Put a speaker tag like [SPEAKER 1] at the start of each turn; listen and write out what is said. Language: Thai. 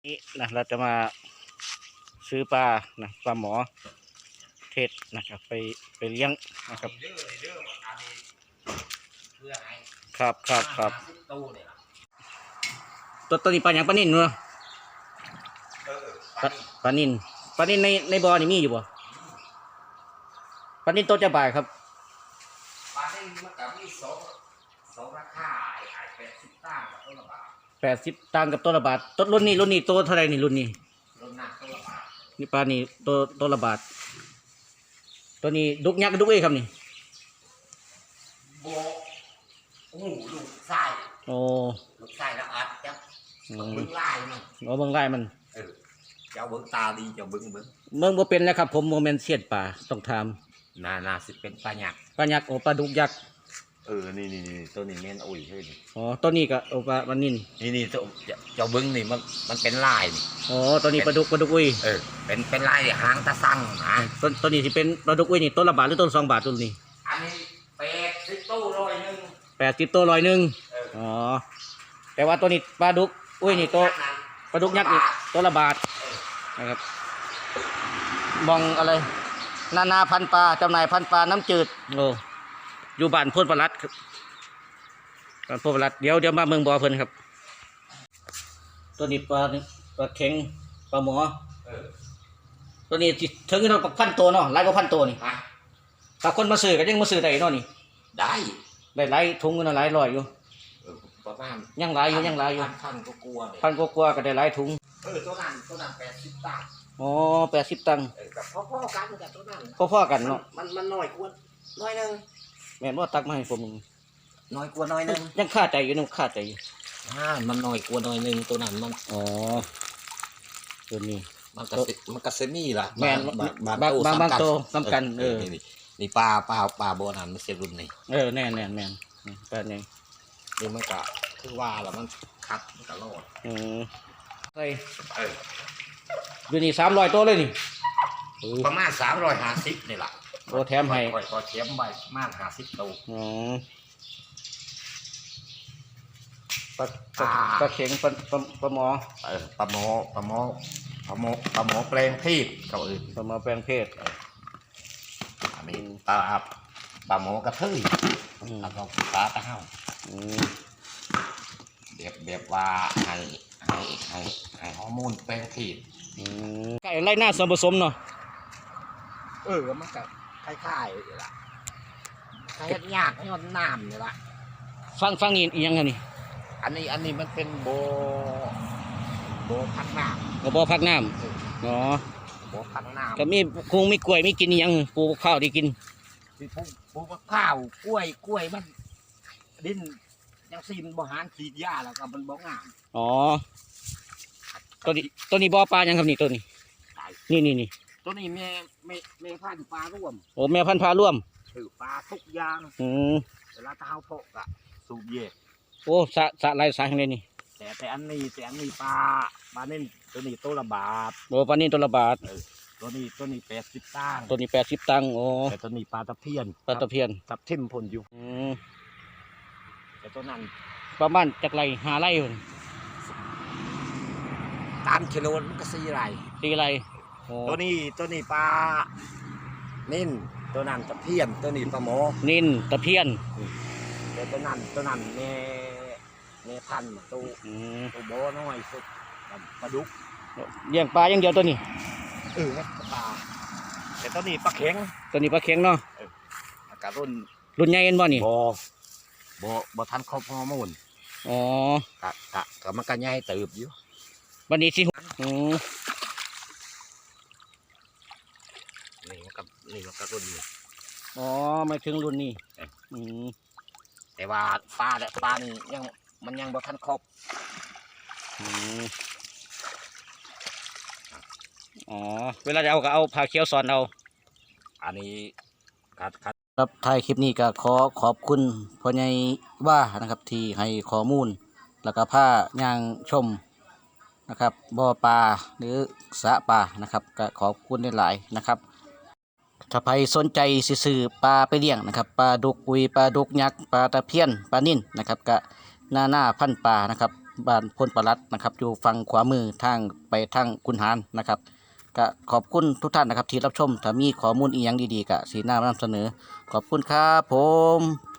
[SPEAKER 1] นี้นะเราจะมาซื้อปลานะปลาหมอเทศนะครับไปเลี้ยงนะครับครับตัวนี้ปลาอย่างปลานิ่นเนาะปลานิ่นในบ่อนี่มีอยู่บ่ปลานิ่นตัวจะบ่ายครับ
[SPEAKER 2] ปลานิ่นมันกับมีสองราคา80 ตังค์กับต้นละบาท
[SPEAKER 1] 80 ตังค์กับตัวละบาทต้นรุ่นนี้ตัวเท่าไรนี่รุ่นนี้
[SPEAKER 2] รุ่นหนักต้นละบาท
[SPEAKER 1] นี่ปลานี่ตัวละบาทตัวนี้ดุกยักษ์ดุกเอ้ครับนี่
[SPEAKER 2] โบลูกไส้ลูกไส้ละอัดจ้ะเบิ้งลายมัน
[SPEAKER 1] เบิ้งลายมัน
[SPEAKER 2] เจ้าเบิ้งตาดีเจ้าเบิ้ง
[SPEAKER 1] บ่เป็นแล้วครับผมโมเมนต์เสียดป่าต้องท
[SPEAKER 2] ำนาสิเป็นปลาหยัก
[SPEAKER 1] ปลายักษ์ปลาดุกยักษ์
[SPEAKER 2] นี่ตัวนี้แม่นอุ้ยเฮ้ย
[SPEAKER 1] ตัวนี้ก็ปลานิ่น
[SPEAKER 2] นี่เจ้าเบิ้งนี่มันเป็นลายนี่
[SPEAKER 1] ตัวนี้ปลาดุกอุ้ย
[SPEAKER 2] เป็นลายหางตะสั่ง
[SPEAKER 1] ตัวนี้ที่เป็นปลาดุกอุ้ยนี่ต้นละบาทหรือต้น2 บาทตัวนี้
[SPEAKER 2] อันนี้80 ตู้
[SPEAKER 1] 80 ตัว100แต่ว่าตัวนี้ปลาดุกอุ้ยนี่ตัวปลาดุกยักษ์นี่ตัวละบาทนะครับมองอะไรนาพันปลาจำหน่ายพันปลาน้ำจืดอยู่บ้านโพธิปรัตน์ครับบ้านโพธิปรัตน์เดี๋ยวมาเมืองบ่อเพิ่นครับตัวนี้ปลาเข็งปลาหมอตัวนี้ถึงเรา1,000 ตัวเนาะหลายกว่า1,000 ตัวนี่ถ้าคนมาซื้อก็ยังมาซื้อได้เนาะนี่
[SPEAKER 2] ได้
[SPEAKER 1] หลายถุงกันหลายร้อยอยู่
[SPEAKER 2] ประมาณ
[SPEAKER 1] ยังหลายอยู่
[SPEAKER 2] พันก็กลัวเลย
[SPEAKER 1] 1,000 กว่าก็ได้หลายถุง
[SPEAKER 2] ตัวนั้น80 ตังค์
[SPEAKER 1] 80 ตังค์
[SPEAKER 2] กับพ่อกันกับตัวนั้น
[SPEAKER 1] พ่อกันเนาะ
[SPEAKER 2] มันน้อยกว่าน้อยนึง
[SPEAKER 1] แม่นว่าตักมาให้ผม
[SPEAKER 2] น้อยกว่าน้อยนึง
[SPEAKER 1] ยังคาใจอยู่คาใจอยู่
[SPEAKER 2] มันน้อยกว่าน้อยนึงตัวนั้นมัน
[SPEAKER 1] ตัวนี้
[SPEAKER 2] มันกระเซมี่ล่ะ
[SPEAKER 1] แม่นบางโตสำคัญ
[SPEAKER 2] นี่ปลาโบนันมันเสียรุ่นนี่
[SPEAKER 1] แน่ปลาเนี่ย
[SPEAKER 2] นี่มันก็คือว่าแล้วมันคัดมันก็รอด
[SPEAKER 1] ใส่อยู่นี่300 ตัวเลยนี่
[SPEAKER 2] ประมาณ350นี่แหละ
[SPEAKER 1] แถมให้
[SPEAKER 2] ก็เทียมใบประมาณ50 ตัว
[SPEAKER 1] ปลาเข็งปลาหมอ
[SPEAKER 2] ปลาหมอแปลงเพศเขา
[SPEAKER 1] ปลาหมอแปลงเพศ
[SPEAKER 2] อันนี้ปลาหมอกระเทยแล้วก็ปลาตะเห่าแบบว่าให้ฮอร์โมนแปลงเพศ
[SPEAKER 1] ไก่ไล่หน้าส่วนผสมเนาะ
[SPEAKER 2] มันก็คล้ายๆนี่ล่ะคล้ายยากย้อนน้ำนี่ล่ะ
[SPEAKER 1] ฟังนี่ยังไงนี่
[SPEAKER 2] อันนี้มันเป็นโบพักน้ำ
[SPEAKER 1] บ่พักน้ำ
[SPEAKER 2] โบพักน้ำ
[SPEAKER 1] ก็คงมีกล้วยมีกินยังปลูกข้าวได้กิน
[SPEAKER 2] ปลูกข้าวกล้วยมันดินยังซีมันบ่หารฉีดยาแล้วก็มันบ่งาม
[SPEAKER 1] ตัวนี้บ่อปลายังครับนี่ตัวนี้นี่
[SPEAKER 2] ตัวนี้แม่พันธุ์ปลาร่วม
[SPEAKER 1] แม่พันธุ์ปลาร่วม
[SPEAKER 2] ปลาทุกอย่างเวลาเท้าโปกอะสูบเย่
[SPEAKER 1] สะลายสายข้างในนี่
[SPEAKER 2] แต่อันนี้ปลานิ่นตัวนี้ตัวละบาท
[SPEAKER 1] ปลานิ่นตัวละบาท
[SPEAKER 2] ตัวนี้80 ตังค์
[SPEAKER 1] ตัวนี้80 ตังค์
[SPEAKER 2] แต่ตัวนี้ปลาตะเพียน
[SPEAKER 1] ทับทิมพ่นอยู่
[SPEAKER 2] แต่ตัวนั้น
[SPEAKER 1] ประมาณจากไร5 ไร่
[SPEAKER 2] ตามกิโลมันก็4 ไร่ตัวนี้ปลานิ่นตัวนั้นตะเพียนตัวนี้ปลาหมอ
[SPEAKER 1] นิ่นตะเพียน
[SPEAKER 2] แต่ตัวนั้นแม่พันธุ์ตัวโบน้อยสุดปลาดุก
[SPEAKER 1] เลี้ยงปลาอย่างเดียวตัวนี้
[SPEAKER 2] ปลาแต่ตัวนี้ปลาเข็ง
[SPEAKER 1] เนาะ
[SPEAKER 2] กระ
[SPEAKER 1] รุ่นใหญ่เอ็นบ่นี่
[SPEAKER 2] บ่ทันครบฮอร์โมนกะมันก็ใหญ่เติบอยู่
[SPEAKER 1] วันนี้สิ
[SPEAKER 2] นี่มันก็รุ่นนี้
[SPEAKER 1] ไม่ถึงรุ่นนี้
[SPEAKER 2] แต่ว่าปลานี่ยังบ่ทันครบ
[SPEAKER 1] เวลาจะเอาก็เอาผ้าเขียวสอนเอา
[SPEAKER 2] อันนี้
[SPEAKER 1] ครับท้ายคลิปนี้ก็ขอบคุณพ่อใหญ่ว่านะครับที่ให้ข้อมูลแล้วก็ผ้าย่างชมนะครับบ่อปลาหรือสระปลานะครับก็ขอบคุณหลายๆนะครับถ้าใครสนใจซื้อปลาไปเลี้ยงนะครับปลาดุกอุยปลาดุกยักษ์ปลาตะเพียนปลานิ่นนะครับก็หน้าพันปลานะครับบ้านพลปลัดนะครับอยู่ฝั่งขวามือทางไปทางกุนหารนะครับก็ขอบคุณทุกท่านนะครับที่รับชมถ้ามีข้อมูลอีกอย่างดีๆก็สีหน้ามานำเสนอขอบคุณครับผม